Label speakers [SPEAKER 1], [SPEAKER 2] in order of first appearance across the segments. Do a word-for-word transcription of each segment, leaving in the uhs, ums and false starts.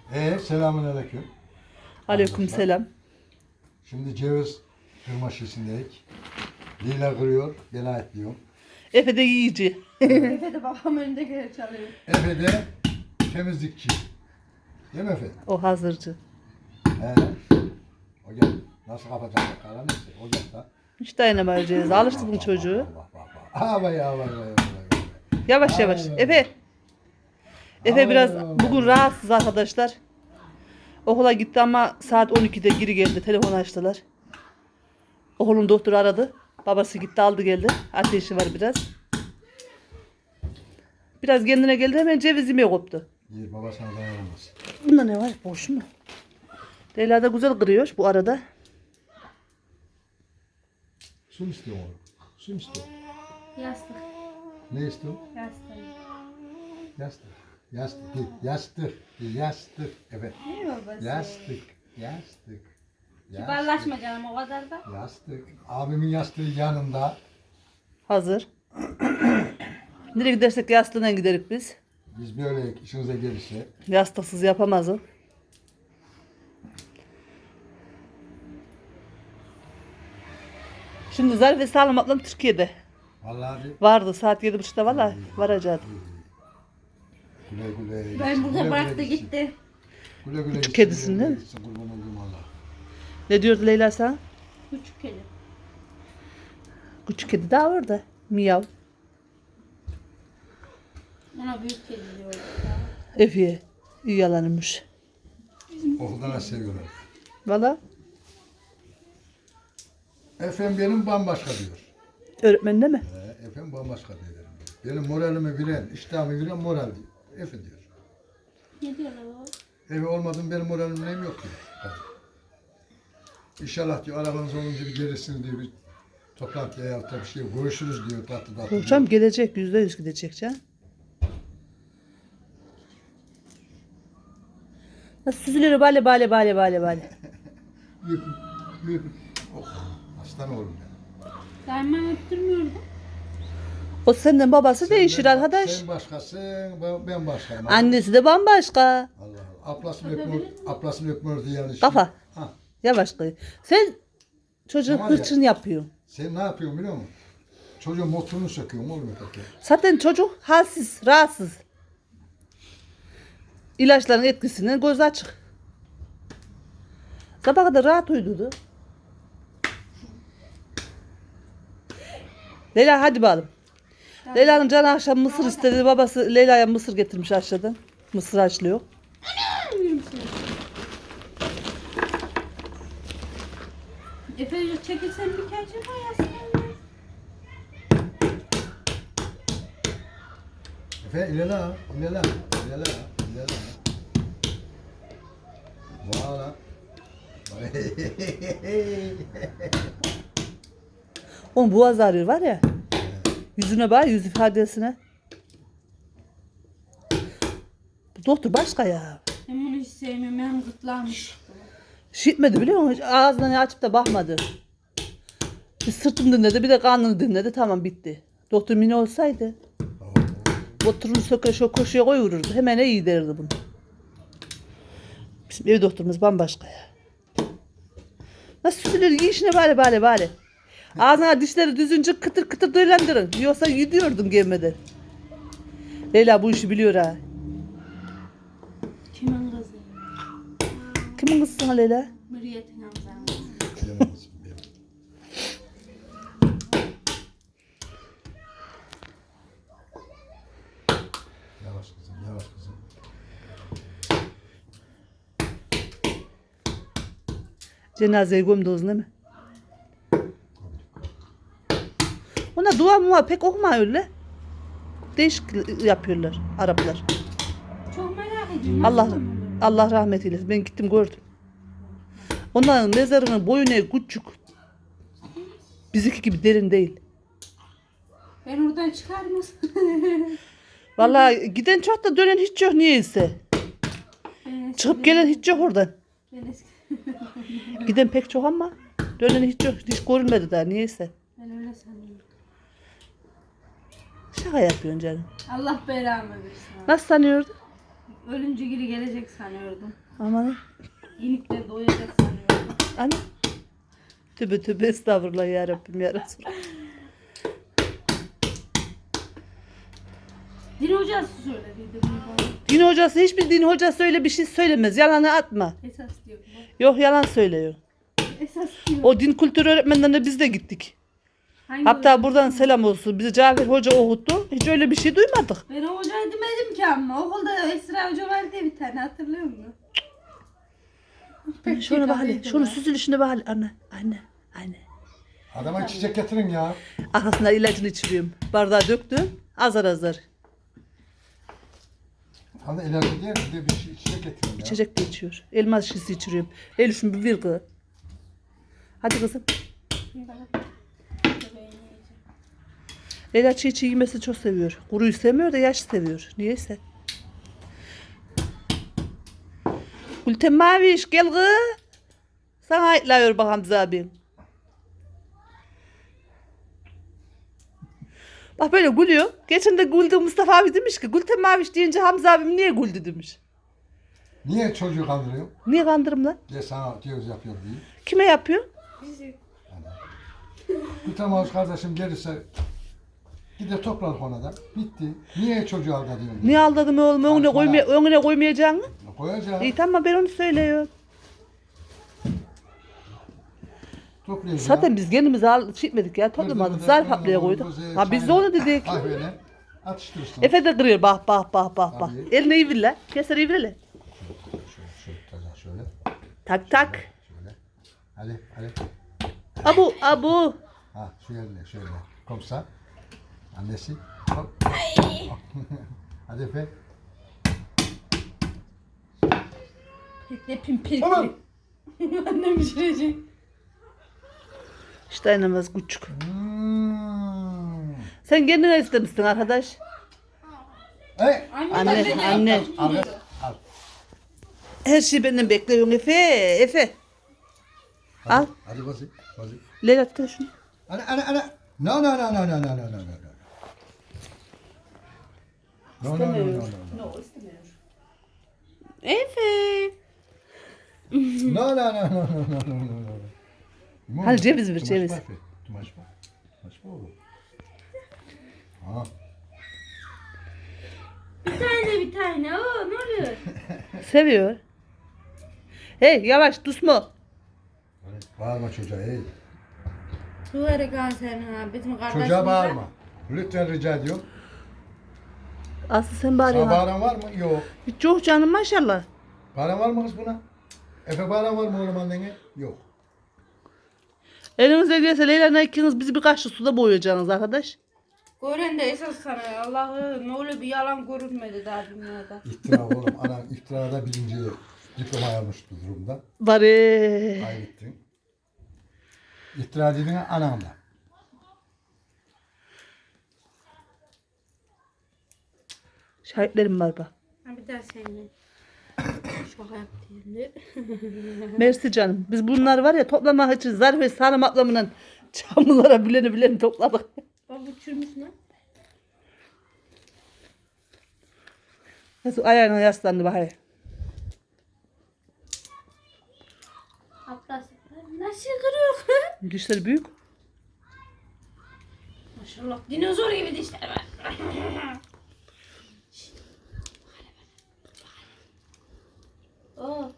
[SPEAKER 1] Ee, selamünaleyküm.
[SPEAKER 2] Aleyküm selam.
[SPEAKER 1] Şimdi ceviz kırma şişindeyiz. Lila kırıyor, ben ayetliyorum.
[SPEAKER 2] Efe de yiyici.
[SPEAKER 3] Efe de babam önünde geri çalıyor.
[SPEAKER 1] Efe de temizlikçi. Değil mi Efe?
[SPEAKER 2] O hazırcı.
[SPEAKER 1] He. O gel. Nasıl kapatacak bakalım neyse. O gel da.
[SPEAKER 2] Hiç dayanamayacağız. Alıştırdın çocuğu.
[SPEAKER 1] Bak bak bak. Ha vay ha vay vay vay.
[SPEAKER 2] Yavaş yavaş.
[SPEAKER 1] Ay, ay,
[SPEAKER 2] Efe. Efe
[SPEAKER 1] Ay,
[SPEAKER 2] biraz
[SPEAKER 1] ay, ay.
[SPEAKER 2] bugün rahatsız arkadaşlar. Okula gitti ama saat on ikide geri geldi. Telefon açtılar. Oğlum doktor aradı. Babası gitti aldı geldi. Ateşi var biraz. Biraz kendine geldi hemen ceviz yemeye koptu.
[SPEAKER 1] İyi baba sana dayanamaz.
[SPEAKER 2] Bunda ne var? Boş mu? Leyla da güzel kırıyor bu arada.
[SPEAKER 1] Su mu istiyor oğlum? Su mu istiyor?
[SPEAKER 3] Yastık.
[SPEAKER 1] Ne istiyor?
[SPEAKER 3] Yastık.
[SPEAKER 1] Yastık. Yastık değil. Yastık. Değil, yastık. Evet.
[SPEAKER 3] Ne babası?
[SPEAKER 1] Yastık. Yastık.
[SPEAKER 3] Kibarlaşma canım o kadar da.
[SPEAKER 1] Yastık. Abimin yastığı yanında.
[SPEAKER 2] Hazır. Nereye gidersek yastığına giderik biz.
[SPEAKER 1] Biz böyle işinize gelirse.
[SPEAKER 2] Yastıksız yapamazım. Şimdi Zarif ve Sağlam ablam Türkiye'de.
[SPEAKER 1] Vallahi bir
[SPEAKER 2] Vardı saat yedi buçukta valla varacaktı.
[SPEAKER 1] güle güle.
[SPEAKER 3] Ben
[SPEAKER 1] gitsin,
[SPEAKER 3] burada
[SPEAKER 1] güle
[SPEAKER 3] bıraktı
[SPEAKER 1] güle gitsin.
[SPEAKER 3] gitti.
[SPEAKER 1] Güle güle gitsin,
[SPEAKER 2] kedisini
[SPEAKER 1] güle güle
[SPEAKER 2] değil mi?
[SPEAKER 1] gitsin, kurban olduğum Allah.
[SPEAKER 2] Ne diyordu Leyla sana?
[SPEAKER 3] Küçük kedi.
[SPEAKER 2] Küçük kedi daha orada. Miyav.
[SPEAKER 3] Ona büyük kedi diyoruz.
[SPEAKER 2] Efiye. İyi yalanmış.
[SPEAKER 1] Okulda nasıl seviyorlar.
[SPEAKER 2] Valla
[SPEAKER 1] Efendim benim bambaşka diyor.
[SPEAKER 2] öğretmen değil mi?
[SPEAKER 1] He, efendim bambaşka diyor. Benim moralimi bilen, iştahımı bilen moral diyor. Efe diyor.
[SPEAKER 3] Ne diyorlar o?
[SPEAKER 1] Efe olmadım benim moralim neyim yok diyor. Kadın. İnşallah diyor arabanız olunca bir gelirsiniz diyor. Bir toplantıya ya da bir şey görüşürüz diyor tatlı tatlı.
[SPEAKER 2] Hocam gelecek. Yüzde yüz gidecek can. Nasıl süzülür bale bale bale bale bale.
[SPEAKER 1] Büyük, büyük. Oh, aslan oğlum ya.
[SPEAKER 3] Daima öptürmüyordu.
[SPEAKER 2] O senden babası değişir
[SPEAKER 1] Sen-
[SPEAKER 2] arkadaş.
[SPEAKER 1] Sen başkasın, ben- ben başkayım.
[SPEAKER 2] Annesi de bambaşka.
[SPEAKER 1] Allah Allah. Aplasını öpmüyor, aplasını öpmüyor diye yanlış.
[SPEAKER 2] Kafa.
[SPEAKER 1] Ha,
[SPEAKER 2] Yavaş kız. Sen çocuğun
[SPEAKER 1] Tamam ya.
[SPEAKER 2] hırçın yapıyorsun.
[SPEAKER 1] sen ne yapıyorsun biliyor musun? Çocuğun motorunu söküyorsun oğlum öteki.
[SPEAKER 2] Zaten çocuk halsiz, rahatsız. İlaçların etkisinden gözü açık. Sabah kadar rahat uyudu. Leyla hadi bakalım. Leyla'nın canı akşam mısır istedi. Babası Leyla'ya mısır getirmiş aşağıdan. Mısır haşlıyor.
[SPEAKER 3] Efe çekilsen bir kere çek yastığı.
[SPEAKER 1] Efe ilela, ilela, ilela, ilela. Valla.
[SPEAKER 2] Onun boğaz ağrıyor var ya. Yüzüne bak, yüz ifadesine. Bu doktor başka ya.
[SPEAKER 3] Ben bunu hiç sevmiyorum. Benim gırtlağım.
[SPEAKER 2] Şişmedi biliyor musun? Hiç ağzını açıp da bakmadı. Bir sırtını dinledi, bir de karnını dinledi. Tamam bitti. Doktor Mine olsaydı oturun söke şu koşuya koyururdu. Hemen iyi derdi bunu. Bizim ev doktorumuz bambaşka ya. Nasıl süzülür? Yiyin işine bari bari bari. Ağzına dişleri düzünce kıtır kıtır döylendirin. Yoksa gidiyordum gelmeden. Leyla bu işi biliyor ha.
[SPEAKER 3] Kimin kızı?
[SPEAKER 2] Kimin kızı sana Leyla?
[SPEAKER 3] Mürriyetin amcanın.
[SPEAKER 1] Bilemezsin, bilemem. Yavaş kızım, yavaş kızım.
[SPEAKER 2] Cenazeye gömdünüz değil mi? Ona dua mua pek okuma öyle. Değişik yapıyorlar Araplar.
[SPEAKER 3] Çok merak ediyorum.
[SPEAKER 2] Allah
[SPEAKER 3] Nasıl olur?
[SPEAKER 2] Allah rahmet eylesin. Ben gittim gördüm. Onların mezarının boyu ne küçük. Bizimki gibi derin değil.
[SPEAKER 3] Ben oradan çıkar mısın?
[SPEAKER 2] Vallahi giden çok da dönen hiç yok niyeyse.
[SPEAKER 3] Ben
[SPEAKER 2] Çıkıp gelen hiç yok oradan.
[SPEAKER 3] Ben eski.
[SPEAKER 2] Giden pek çok ama dönen hiç yok. Hiç görünmedi daha niyeyse.
[SPEAKER 3] Ben öyle sanıyorum.
[SPEAKER 2] Şaka yapıyorsun canım.
[SPEAKER 3] Allah belamı versin.
[SPEAKER 2] Nasıl sanıyordun?
[SPEAKER 3] Ölünce geri gelecek sanıyordum.
[SPEAKER 2] Aman.
[SPEAKER 3] İnikler doyacak sanıyordum.
[SPEAKER 2] Anne. Tübe tübe estağfurullah ya Rabbim ya Resulallah.
[SPEAKER 3] Din hocası söylediydi bunu bana.
[SPEAKER 2] Din hocası hiçbir din hocası öyle bir şey söylemez. Yalanı atma.
[SPEAKER 3] Esas diyor bu.
[SPEAKER 2] Yok yalan söylüyor.
[SPEAKER 3] Esas diyor.
[SPEAKER 2] O din kültürü öğretmenlerine biz de gittik.
[SPEAKER 3] Hangi
[SPEAKER 2] Hatta
[SPEAKER 3] hoca?
[SPEAKER 2] buradan selam olsun. Bizi Cafer Hoca okuttu. Hiç öyle bir şey duymadık.
[SPEAKER 3] Ben o hocayı demedim ki ama. Okulda Esra Hoca vardı ya bir tane hatırlıyor musun?
[SPEAKER 2] Anne şuna bak hele. Şunu süzülüşüne bak hele. Anne. Anne. Anne.
[SPEAKER 1] Adama çiçek getirin ya.
[SPEAKER 2] Arkasından ilacını içiriyorum. Bardağa döktüm. Azar azar.
[SPEAKER 1] Hani ileride diye bir de bir şey- çiçek getirin ya.
[SPEAKER 2] İçecek de içiyor. Elma şişesi içiriyorum. Elif'im bir vir kız. Hadi kızım. Leyla çiğ çiğ yemesi çok seviyor. Kuruyu sevmiyor da yaş seviyor. Niyeyse. Gülten Maviş gel kız. Sana ayıtlıyor bak Hamza abim. Bak böyle gülüyor. Geçen de güldü Mustafa abi demiş ki Gülten Maviş deyince Hamza abim niye güldü demiş.
[SPEAKER 1] Niye çocuğu kandırıyor?
[SPEAKER 2] Niye kandırım lan?
[SPEAKER 1] Diye sana göz yapıyor diye.
[SPEAKER 2] Kime yapıyor?
[SPEAKER 3] Bizi.
[SPEAKER 1] Bir tamam kardeşim gelirse gider topladık ona da. Bitti. Niye çocuğu aldatıyorsun?
[SPEAKER 2] Niye aldadım oğlum? Önüne,
[SPEAKER 1] Bak
[SPEAKER 2] koymaya, önüne koymayacaksın mı?
[SPEAKER 1] Koyacağım.
[SPEAKER 2] İyi tamam ben onu söylüyorum.
[SPEAKER 1] Toplayacağım.
[SPEAKER 2] Zaten biz kendimiz al, şey etmedik ya toplamadık. Zarf haplaya koyduk. Ha biz de onu dedik.
[SPEAKER 1] Kahveyle atıştırırsın.
[SPEAKER 2] Efe de kırıyor bak bak bak bak bak.
[SPEAKER 1] Tabii.
[SPEAKER 2] Eline iyi lan. Keser iyi lan.
[SPEAKER 1] Şöyle, şöyle, şöyle,
[SPEAKER 2] Tak tak.
[SPEAKER 1] şöyle. Hadi, hadi.
[SPEAKER 2] Abu abu.
[SPEAKER 1] Ha, şöyle, şöyle. Komsa. Annesi. Hop. Hadi Efe.
[SPEAKER 3] Pikle pimpirikli.
[SPEAKER 1] Tamam.
[SPEAKER 3] Annem pişirecek.
[SPEAKER 2] İşte dayanamaz küçük.
[SPEAKER 1] Hmm.
[SPEAKER 2] Sen kendine istemişsin arkadaş.
[SPEAKER 1] Hey.
[SPEAKER 2] Anne anne.
[SPEAKER 1] Al, al.
[SPEAKER 2] Her şeyi benden bekliyorsun Efe. Efe. Al.
[SPEAKER 1] Hadi bazı, bazı.
[SPEAKER 2] Leyla tut şunu.
[SPEAKER 1] Ana, ana, ana. No, no, no, no, no, no, no, no, no. No, no, no, no, no, no.
[SPEAKER 2] No istemiyor. Efe.
[SPEAKER 1] No, no, no, no, no, no, no, no, no. Limon
[SPEAKER 2] Hadi
[SPEAKER 1] mu?
[SPEAKER 2] ceviz ver,
[SPEAKER 1] Tumaş
[SPEAKER 2] ceviz.
[SPEAKER 1] mı Efe? Tumaş mı? Tumaş mı oğlum? Ha.
[SPEAKER 3] Bir tane bir tane. Oo, ne oluyor?
[SPEAKER 2] Seviyor. Hey yavaş düşme.
[SPEAKER 1] Hadi, bağırma çocuğa hey.
[SPEAKER 3] Duvara kanser ha. Bizim kardeşimiz.
[SPEAKER 1] Çocuğa bağırma. Lütfen rica ediyorum.
[SPEAKER 2] Aslı sen
[SPEAKER 1] Sana
[SPEAKER 2] bağırıyorsun.
[SPEAKER 1] bağıran var mı? Yok.
[SPEAKER 2] Hiç yok canım maşallah.
[SPEAKER 1] Bağıran var mı kız buna? Efe bağıran var mı oğlum annene? Yok.
[SPEAKER 2] Elinize gelse Leyla'yla ikiniz bizi bir kaşık suda boyayacaksınız arkadaş.
[SPEAKER 3] Gören de esas sana ya. Allah'ım ne öyle bir yalan görünmedi daha dünyada.
[SPEAKER 1] İftira oğlum. Anan iftirada birinci diploma almış bu durumda.
[SPEAKER 2] Bari.
[SPEAKER 1] Kaybettin. İftira dediğin anamla.
[SPEAKER 2] Şahitlerim var bak.
[SPEAKER 3] Ha bir daha seninle. Şaka yaptım şimdi.
[SPEAKER 2] Mersi canım. Biz bunlar var ya toplamak için zarf ve sarım atlamından çamurlara bileni bileni topladık.
[SPEAKER 3] Bak bu çürümüş lan.
[SPEAKER 2] Nasıl ayağına yaslandı bak hele.
[SPEAKER 3] Hatta nasıl kırıyor?
[SPEAKER 2] Dişleri büyük.
[SPEAKER 3] Maşallah dinozor gibi dişler var. Oh.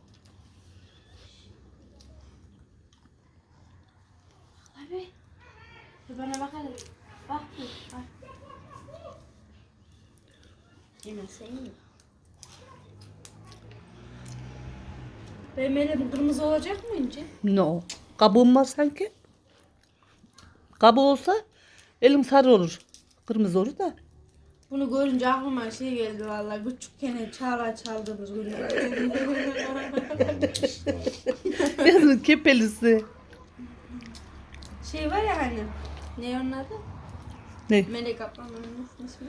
[SPEAKER 3] Abi. Bir bana bak hadi. Bak bir. Bak. Yemezse iyi. Benim elim kırmızı olacak mı ince?
[SPEAKER 2] No. Kabuğum var sanki. Kabuğu olsa elim sarı olur. Kırmızı olur da.
[SPEAKER 3] Bunu görünce aklıma şey geldi vallahi küçükken çağla çaldığımız günler.
[SPEAKER 2] Yazın kepelisi.
[SPEAKER 3] Şey var ya hani. Ne onun adı?
[SPEAKER 2] Ne?
[SPEAKER 3] Melek ablamın ismi.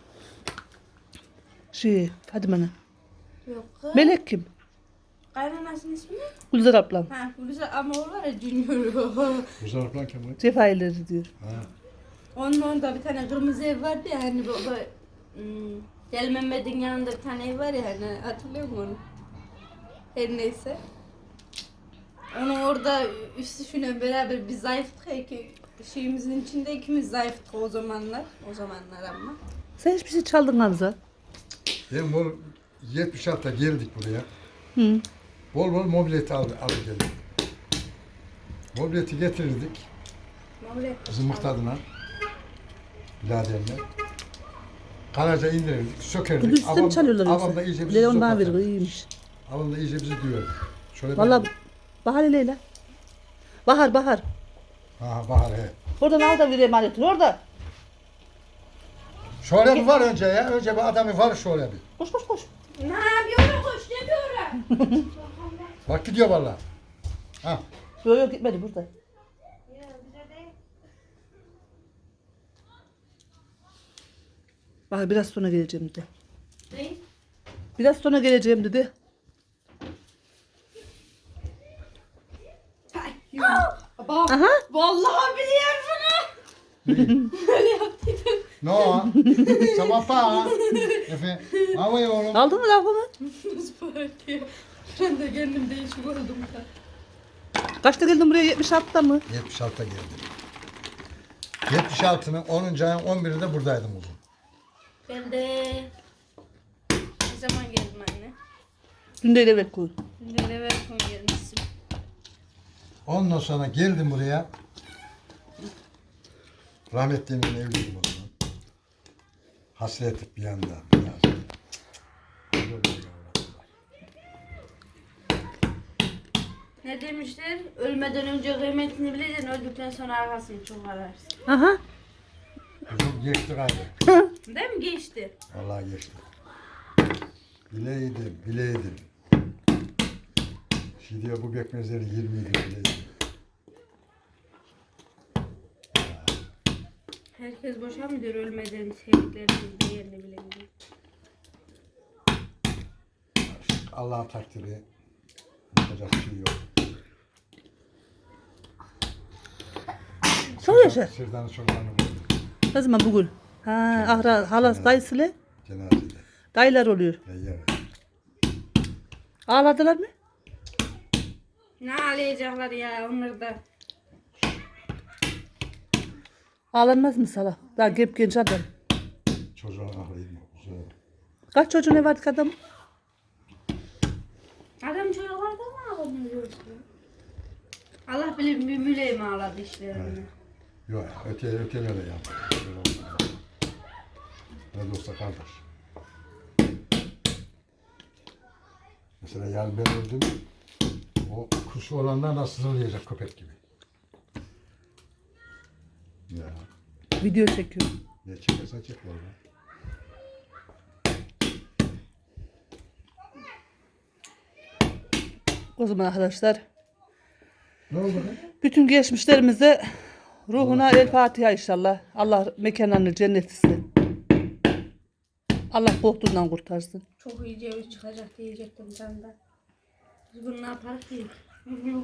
[SPEAKER 2] Şey Fadime Ana.
[SPEAKER 3] Yok kız.
[SPEAKER 2] Melek kim?
[SPEAKER 3] Kaynanasının ismi ne?
[SPEAKER 2] Gülzar ablam.
[SPEAKER 3] Ha güzel ama o var ya Junior.
[SPEAKER 1] Güzel falan Kemal.
[SPEAKER 2] Cefaileri diyor.
[SPEAKER 1] Ha.
[SPEAKER 3] Onun orada bir tane kırmızı ev vardı ya hani baba hmm, Deli Mehmet'in yanında bir tane ev var ya hani hatırlıyor musun onu? Her neyse. Onu orada üstü şuna beraber bir zayıftık ki şeyimizin içinde ikimiz zayıftık o zamanlar. O zamanlar ama.
[SPEAKER 2] Sen hiçbir şey çaldın Hamza.
[SPEAKER 1] Ben bu yetmiş altıda geldik buraya.
[SPEAKER 2] Hı.
[SPEAKER 1] Bol bol mobileti aldı, aldı geldik. Mobileti getirirdik. Zımık tadına. Biraderle. Karaca indirirdik,
[SPEAKER 2] Bu
[SPEAKER 1] sökerdik.
[SPEAKER 2] üstte mi çalıyorlar
[SPEAKER 1] Abam da
[SPEAKER 2] yoksa?
[SPEAKER 1] iyice bizi
[SPEAKER 2] Leon bana
[SPEAKER 1] zopardı.
[SPEAKER 2] verir, iyiymiş.
[SPEAKER 1] Abam da iyice bizi duyuyordu. Şöyle
[SPEAKER 2] Valla
[SPEAKER 1] ben-
[SPEAKER 2] Bahar Leyla. Bahar Bahar.
[SPEAKER 1] Ha Bahar he.
[SPEAKER 2] Oradan al da bir emaneti orada.
[SPEAKER 1] Şöyle bir var önce ya. Önce bir adamı var şöyle bir.
[SPEAKER 2] Koş koş koş.
[SPEAKER 3] Ne yapıyorum koş yapıyorum.
[SPEAKER 1] Bak gidiyor valla. Ha.
[SPEAKER 2] Yok yok gitmedi burada. Bahar biraz sonra geleceğim dedi.
[SPEAKER 3] Ne?
[SPEAKER 2] Biraz sonra geleceğim dedi.
[SPEAKER 3] Baba.
[SPEAKER 2] Aha.
[SPEAKER 3] Vallahi biliyorum bunu. Böyle yaptıydım.
[SPEAKER 1] No. Sama pa. Efe. Havaya oğlum.
[SPEAKER 2] Aldın mı lafımı?
[SPEAKER 3] Nasıl parlıyor? Ben de kendim değişik oldum da.
[SPEAKER 2] Kaçta geldin buraya? yetmiş altıda mı?
[SPEAKER 1] yetmiş altıda geldim. yetmiş altının onuncu ayın on birinde buradaydım uzun.
[SPEAKER 3] Ben de ne zaman geldim anne?
[SPEAKER 2] Dün de evet koy.
[SPEAKER 3] Dün de eve yakın gelmişsin.
[SPEAKER 1] Ondan sonra geldim buraya. Rahmetli'nin evliydim o zaman. Hasret bir yanda. Biraz.
[SPEAKER 3] Ne demişler? Ölmeden önce kıymetini bileceksin, öldükten sonra arkasını çok ararsın.
[SPEAKER 2] Aha.
[SPEAKER 1] Kızım geçti gayrı.
[SPEAKER 3] Değil mi? Geçti.
[SPEAKER 1] Vallahi geçti. Bileydim, bileydim. Şimdi diyor bu bekmezleri yirmi yedi bileydim.
[SPEAKER 3] Herkes boşa mı diyor ölmeden sevdiklerinin değerini bilebilir.
[SPEAKER 1] Allah'ın takdiri. Yapacak bir şey yok.
[SPEAKER 2] Çok yaşa.
[SPEAKER 1] Sırdanı çocuklarını buldum.
[SPEAKER 2] Ne zaman bugün? Ha, ahra, halas dayısıyla
[SPEAKER 1] Cenazede.
[SPEAKER 2] dayılar oluyor.
[SPEAKER 1] Ya yarın.
[SPEAKER 2] Ağladılar mı?
[SPEAKER 3] Ne ağlayacaklar ya onlar da.
[SPEAKER 2] Ağlanmaz mı Salah? Daha gep genç adam.
[SPEAKER 1] Çocuğun ahlıyım. Uzun.
[SPEAKER 2] Kaç çocuğu ne vardı ki adam?
[SPEAKER 3] Adam çocuklarda mı ağlamıyor? Allah bilir bir müleğim ağladı işlerini.
[SPEAKER 1] Yok öte öteyle de yaptı. Ne de olsa kardeş. Mesela yani ben öldüm. O kuşu olanlar nasıl sızlayacak köpek gibi. Ya
[SPEAKER 2] Video çekiyor.
[SPEAKER 1] ne çekersen çek valla.
[SPEAKER 2] O zaman arkadaşlar
[SPEAKER 1] Ne oldu lan?
[SPEAKER 2] bütün geçmişlerimize ruhuna el Fatiha inşallah. Allah mekanlarını cennet etsin. Allah korktuğundan kurtarsın.
[SPEAKER 3] Çok iyi ceviz çıkacak diyecektim sen de. Biz bunu ne yaparız ki? Bilmiyorum.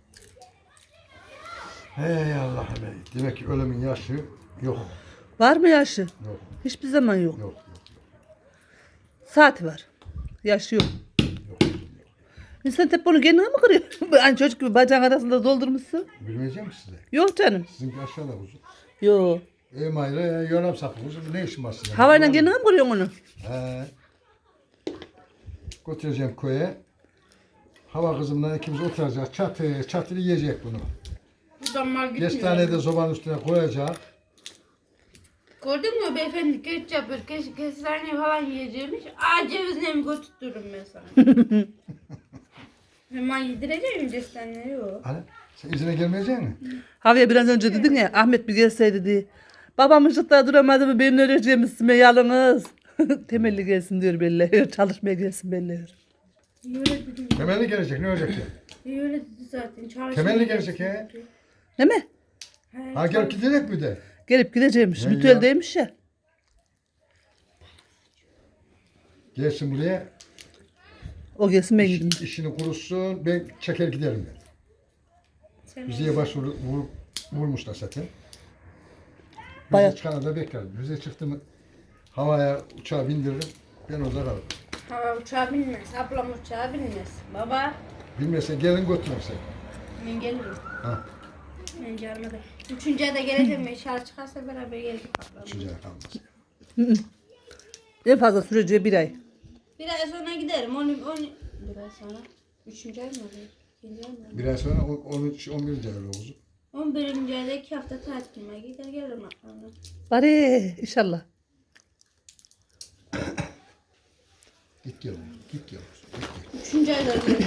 [SPEAKER 1] Hey Allah'ım ey. Demek ki ölümün yaşı yok.
[SPEAKER 2] Var mı yaşı?
[SPEAKER 1] Yok.
[SPEAKER 2] Hiçbir zaman yok.
[SPEAKER 1] Yok.
[SPEAKER 2] Saati var. Yaşı yok.
[SPEAKER 1] Yok. Yok.
[SPEAKER 2] İnsan hep bunu kendine mi kırıyor? Hani çocuk gibi bacağın arasında doldurmuşsun.
[SPEAKER 1] Bilmeyeceğim size.
[SPEAKER 2] Yok canım.
[SPEAKER 1] Sizinki aşağıda uzun.
[SPEAKER 2] Yok.
[SPEAKER 1] E mayra ya yoram sapı uzun. Ne işin var sizin?
[SPEAKER 2] Havayla kendine mi kırıyorsun onu?
[SPEAKER 1] He. Götüreceğim köye. Hava kızımla ikimiz oturacağız. Çatı çatı yiyecek bunu.
[SPEAKER 3] Buradan mal gitmiyor.
[SPEAKER 1] Kestanede sobanın üstüne koyacak.
[SPEAKER 3] Gördün mü beyefendi geç yapıyor. Keş, kestane falan yiyeceğimiş. Aa cevizle mi götürtürüm ben sana. Hemen yedireceğim kestaneleri yok.
[SPEAKER 1] Hani sen izine gelmeyecek misin?
[SPEAKER 2] Havaya biraz önce dedin ya Ahmet bir gelseydi diye. Babam ışıkta duramadı mı benim öleceğim üstüme yalnız. Temelli gelsin diyor belli. Çalışmaya gelsin belli.
[SPEAKER 3] İyi öyle dedim.
[SPEAKER 1] Temelli gelecek ne olacak ki?
[SPEAKER 3] İyi öyle dedi zaten. Çalışmaya
[SPEAKER 1] Temelli
[SPEAKER 3] gelsin
[SPEAKER 1] gelecek ya.
[SPEAKER 3] dedi.
[SPEAKER 2] Değil mi?
[SPEAKER 3] He,
[SPEAKER 1] Ha gelip gidecek mi de?
[SPEAKER 2] Gelip gideceğimmiş.
[SPEAKER 1] Ne
[SPEAKER 2] Mütüeldeymiş ya.
[SPEAKER 1] Gelsin buraya.
[SPEAKER 2] O gelsin ben
[SPEAKER 1] iş-
[SPEAKER 2] gideyim.
[SPEAKER 1] işini kurutsun. Ben çeker giderim ben.
[SPEAKER 3] sen
[SPEAKER 1] Müziğe başvuru vur, vurmuşlar zaten.
[SPEAKER 2] Bayağı-
[SPEAKER 1] Müziğe çıkana da beklerim. Müziğe çıktı mı Havaya uçağa bindiririm. Ben orada kalırım.
[SPEAKER 3] Ha, uçağa binmez. Ablam uçağa binmez. Baba.
[SPEAKER 1] Bilmezsen gelin götürürsen.
[SPEAKER 3] Ben gelirim.
[SPEAKER 1] Ha.
[SPEAKER 3] Ben gelmedim. Üçüncü ayda geleceğim. Ben şarj çıkarsa beraber geldik ablam.
[SPEAKER 1] Üçüncü ay kalmaz.
[SPEAKER 2] En fazla süreceği bir ay.
[SPEAKER 3] Bir ay sonra giderim. On, on, bir ay sonra. Üçüncü ay mı oluyor? İkinci ay mı oluyor?
[SPEAKER 1] Bir ay sonra on, on üç, on birinci ay öyle olacak.
[SPEAKER 3] On birinci ayda iki hafta tatilime gider gelirim ablamla.
[SPEAKER 2] Bari inşallah.
[SPEAKER 1] Git gel oğlum, git gel. Git gel.
[SPEAKER 3] Üçüncü ayda geleceğim.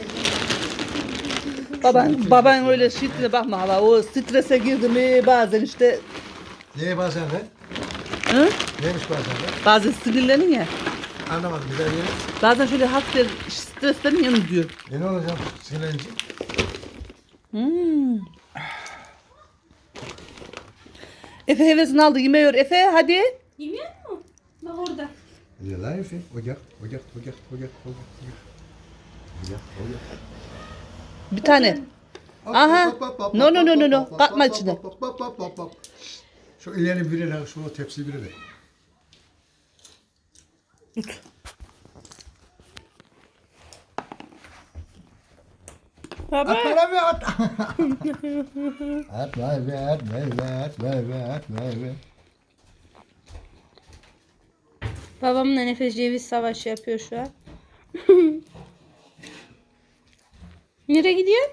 [SPEAKER 2] Baban, baban öyle şiddetine bakma hala. O strese girdi mi bazen işte
[SPEAKER 1] Neye bazen de?
[SPEAKER 2] hı?
[SPEAKER 1] Neymiş bazen de?
[SPEAKER 2] Bazen sinirlenin ya.
[SPEAKER 1] Anlamadım bir daha diyelim.
[SPEAKER 2] Bazen şöyle hafif streslenin yanı diyor.
[SPEAKER 1] E ne olacak sinirlenince?
[SPEAKER 2] Hmm. Efe hevesini aldı yemeğiyor. Efe hadi.
[SPEAKER 3] Yemiyor mu? Bak orada.
[SPEAKER 1] Ya lan Efe, ocak, ocak, ocak, ocak, ocak, ocak. Ocak, ocak.
[SPEAKER 2] Bir tane. Aha. No, no, no, no, no. Katma içine.
[SPEAKER 1] Şu ilerini birine, şu tepsi birine.
[SPEAKER 2] Tut.
[SPEAKER 1] At bana bir at. At vay be, at vay be, at vay be, at vay be.
[SPEAKER 3] Babamla nefes ceviz savaşı yapıyor şu an. Nereye gidiyor?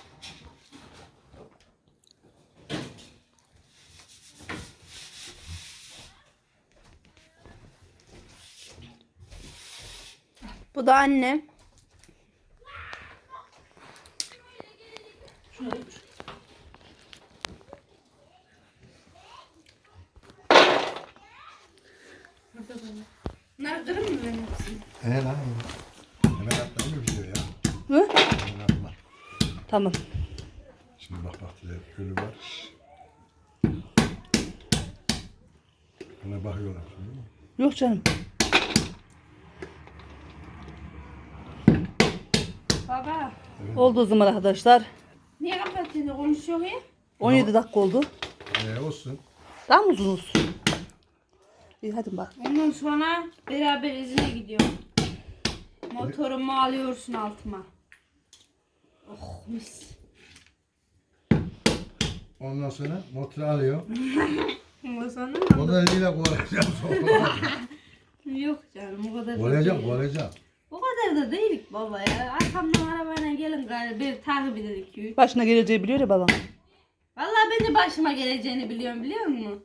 [SPEAKER 3] Bu da annem. Bunları kırın mı benim hepsini?
[SPEAKER 1] He lan. Hemen atlayayım mı video ya?
[SPEAKER 2] Hı?
[SPEAKER 1] Hemen atma.
[SPEAKER 2] Tamam.
[SPEAKER 1] Şimdi bak bak diye ölü var. Buna bakıyorlar.
[SPEAKER 2] Yok canım.
[SPEAKER 3] Baba.
[SPEAKER 2] Oldu o zaman arkadaşlar.
[SPEAKER 3] Niye kapatıyorsun? Konuşuyor ya.
[SPEAKER 2] on yedi dakika oldu.
[SPEAKER 1] Ne olsun?
[SPEAKER 2] Daha mı uzun olsun? İyi hadi bak.
[SPEAKER 3] Ondan sonra beraber izine gidiyorum. Motorumu alıyorsun altıma. Oh mis.
[SPEAKER 1] Ondan sonra motoru alıyor.
[SPEAKER 3] Ondan sonra
[SPEAKER 1] Ondan eliyle kovalayacağım.
[SPEAKER 3] yok canım o kadar da
[SPEAKER 1] Kovalayacağım,
[SPEAKER 3] değil.
[SPEAKER 1] kovalayacağım.
[SPEAKER 3] O kadar da değilik baba ya. Arkamdan arabayla gelin galiba. Bir takip edelim.
[SPEAKER 2] Başına geleceği biliyor ya babam.
[SPEAKER 3] Vallahi ben de başıma geleceğini biliyorum biliyor musun?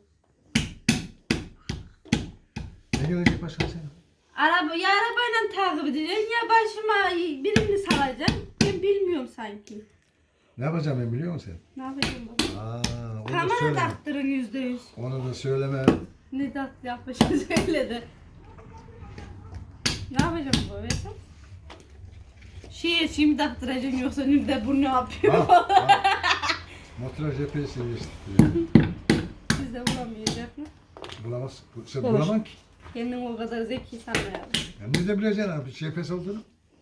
[SPEAKER 1] Ne gelecek başka sen?
[SPEAKER 3] Araba, ya arabayla takip edeceksin ya başıma birini salacaksın. Ben bilmiyorum sanki.
[SPEAKER 1] Ne yapacağım ben biliyor musun
[SPEAKER 3] Ne yapacağım baba?
[SPEAKER 1] sen? Aa, onu da
[SPEAKER 3] Kamera
[SPEAKER 1] söyleme.
[SPEAKER 3] taktırın yüzde yüz.
[SPEAKER 1] Onu da söyleme.
[SPEAKER 3] Ne dat yapmışım söyledi. Ne yapacağım bu mesela? Şey şimdi taktıracaksın yoksa nerede bu ne yapıyor?
[SPEAKER 1] Ha, ha. Motora G P S değiştirdi.
[SPEAKER 3] Siz de bulamayacak mı?
[SPEAKER 1] Bulamaz. Bu- Sen
[SPEAKER 2] Olur.
[SPEAKER 1] bulamam ki.
[SPEAKER 3] Kendin o kadar zeki sanmayalım.
[SPEAKER 1] Ya nerede bileceksin abi G P S olduğunu?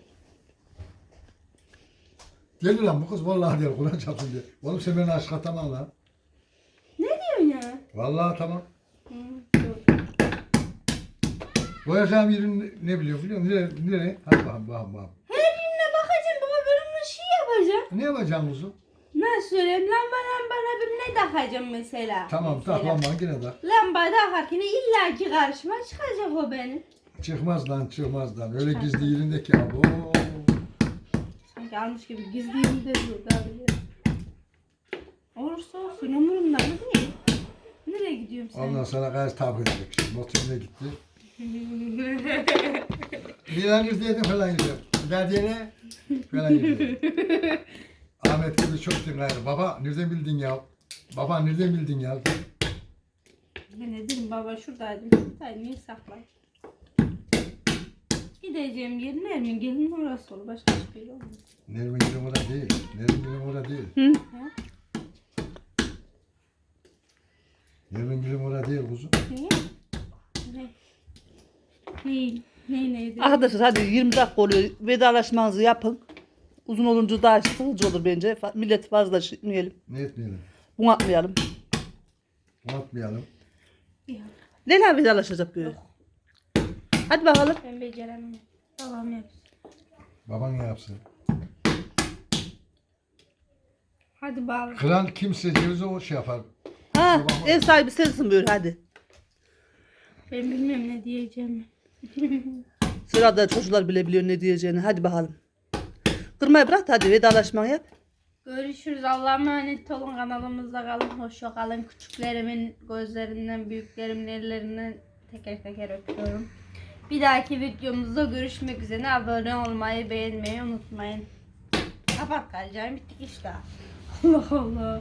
[SPEAKER 1] Gel lan bu kız vallahi diyor Kur'an çarpsın diye. Oğlum sen beni aşk atamam lan.
[SPEAKER 3] Ne diyorsun ya?
[SPEAKER 1] Vallahi tamam.
[SPEAKER 3] Hı, dur.
[SPEAKER 1] Koyacağım yerin ne biliyor biliyor musun? Nereye? Nereye? Hadi bakalım bakalım bakalım.
[SPEAKER 3] Her birine bakacağım baba ben ona şey yapacağım.
[SPEAKER 1] Ne yapacağım kuzum?
[SPEAKER 3] Nasıl söyleyeyim lamba lamba bir ne takacağım mesela.
[SPEAKER 1] Tamam
[SPEAKER 3] mesela.
[SPEAKER 1] tak lan bana yine tak.
[SPEAKER 3] Lamba takarken illaki karşıma çıkacak o benim.
[SPEAKER 1] Çıkmaz lan çıkmaz lan. Öyle gizli yerindeki abi. Oo.
[SPEAKER 3] Sanki almış gibi gizli yerimde dur daha bile. Olursa olsun umurumda mı değil. Nereye gidiyorum sen?
[SPEAKER 1] Ondan sonra gayet tabi edecek. Şimdi motoruna gitti. Bir an izledim falan gidiyor. Derdiyene falan gidiyor. Ahmet gibi çok dinler. Baba nereden bildin ya? Baba nereden bildin ya?
[SPEAKER 3] Ben ne dedim baba şuradaydım şuradaydım niye saklayayım? Gideceğim yer Nermin gelin orası olur başka hiçbir yer olmaz.
[SPEAKER 1] Nermin Gülüm orada değil. Nermin Gülüm orada değil.
[SPEAKER 2] Hı?
[SPEAKER 3] Ha?
[SPEAKER 1] Nermin Gülüm orada değil kuzum.
[SPEAKER 3] Ne? Ne? Ne? Ne neydi?
[SPEAKER 2] Arkadaşlar hadi yirmi dakika oluyor. Vedalaşmanızı yapın. Uzun olunca daha sıkıcı olur bence. Fa- Millet fazla şişmeyelim.
[SPEAKER 1] Ne etmeyelim?
[SPEAKER 2] Bunu atmayalım.
[SPEAKER 1] Unutmayalım.
[SPEAKER 3] Ya.
[SPEAKER 2] Leyla vedalaşacak böyle. Hadi bakalım.
[SPEAKER 3] Ben beceremem. Babam yapsın.
[SPEAKER 1] Baban ne yapsın?
[SPEAKER 3] Hadi bağlı.
[SPEAKER 1] Kral kimse diyorsa o şey yapar.
[SPEAKER 2] Ha,
[SPEAKER 1] Babam-
[SPEAKER 2] ev sahibi sensin böyle hadi.
[SPEAKER 3] Ben bilmiyorum ne diyeceğimi.
[SPEAKER 2] Sırada çocuklar bile biliyor ne diyeceğini. Hadi bakalım. Kırmayı bırak da hadi vedalaşmanı yap.
[SPEAKER 3] Görüşürüz. Allah'a emanet olun. Kanalımızda kalın. Hoşça kalın. Küçüklerimin gözlerinden, büyüklerimin ellerinden teker teker öpüyorum. Bir dahaki videomuzda görüşmek üzere. Abone olmayı, beğenmeyi unutmayın. Kapat kalacağım. Bittik işte. Allah Allah.